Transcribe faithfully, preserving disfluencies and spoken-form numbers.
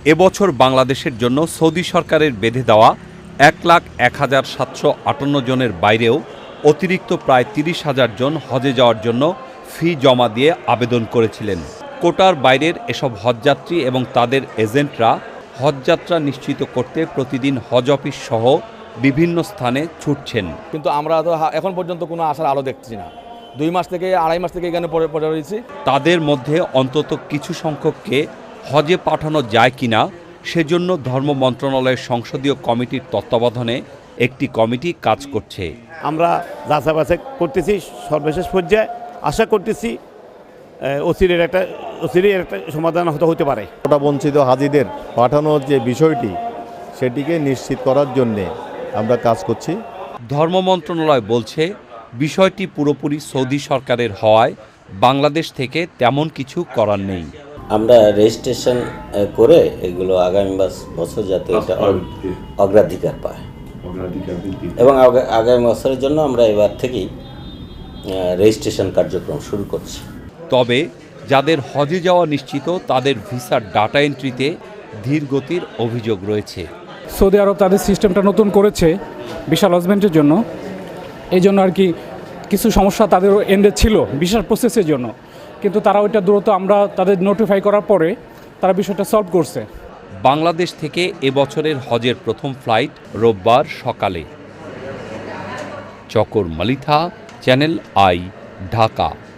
এবছর বাংলাদেশের জন্য সৌদি সরকারের বেঁধে দেওয়া এক লাখ এক হাজার সাতশো আটান্ন জনের বাইরেও অতিরিক্ত প্রায় তিরিশ হাজার জন হজে যাওয়ার জন্য ফি জমা দিয়ে আবেদন করেছিলেন। কোটার বাইরের এসব হজযাত্রী এবং তাদের এজেন্টরা হজযাত্রা নিশ্চিত করতে প্রতিদিন হজ অফিস সহ বিভিন্ন স্থানে ছুটছেন। কিন্তু আমরা তো এখন পর্যন্ত কোনো আশার আলো দেখছি না। দুই মাস থেকে আড়াই মাস থেকে এখানে পড়ে পড়ে রয়েছি। তাদের মধ্যে অন্তত কিছু সংখ্যককে হজে পাঠানো যায় কিনা সেজন্য ধর্ম মন্ত্রণালয়ের সংসদীয় কমিটির তত্ত্বাবধানে একটি কমিটি কাজ করছে। আমরা যাচাই বাছাই করতেছি, সর্বশেষ পর্যায়ে আশা করতেছি অচিরের একটা অচিরের একটা সমাধান হতে হতে পারে। কোটা বঞ্চিত হাজিদের পাঠানোর যে বিষয়টি সেটিকে নিশ্চিত করার জন্যে আমরা কাজ করছি। ধর্ম মন্ত্রণালয় বলছে বিষয়টি পুরোপুরি সৌদি সরকারের হওয়ায় বাংলাদেশ থেকে তেমন কিছু করার নেই। আমরা রেজিস্ট্রেশন করে এগুলো আগামী বছর যাতে এটা অগ্রাধিকার পায় এবং আগামী বছরের জন্য আমরা এবার থেকেই রেজিস্ট্রেশন কার্যক্রম শুরু করছি। তবে যাদের হজে যাওয়া নিশ্চিত তাদের ভিসার ডাটা এন্ট্রিতে ধীর গতির অভিযোগ রয়েছে। সৌদি আরব তাদের সিস্টেমটা নতুন করেছে ভিসা লজমেন্টের জন্য, এই জন্য আর কি কিছু সমস্যা তাদের এন্ডে ছিল ভিসার প্রসেসের জন্য, কিন্তু তারা ওইটা দ্রুত আমরা তাদের নোটিফাই করার পরে তারা বিষয়টা সলভ করছে। বাংলাদেশ থেকে এবছরের হজের প্রথম ফ্লাইট রোববার সকালে। Chakor Malitha, channel I, Dhaka.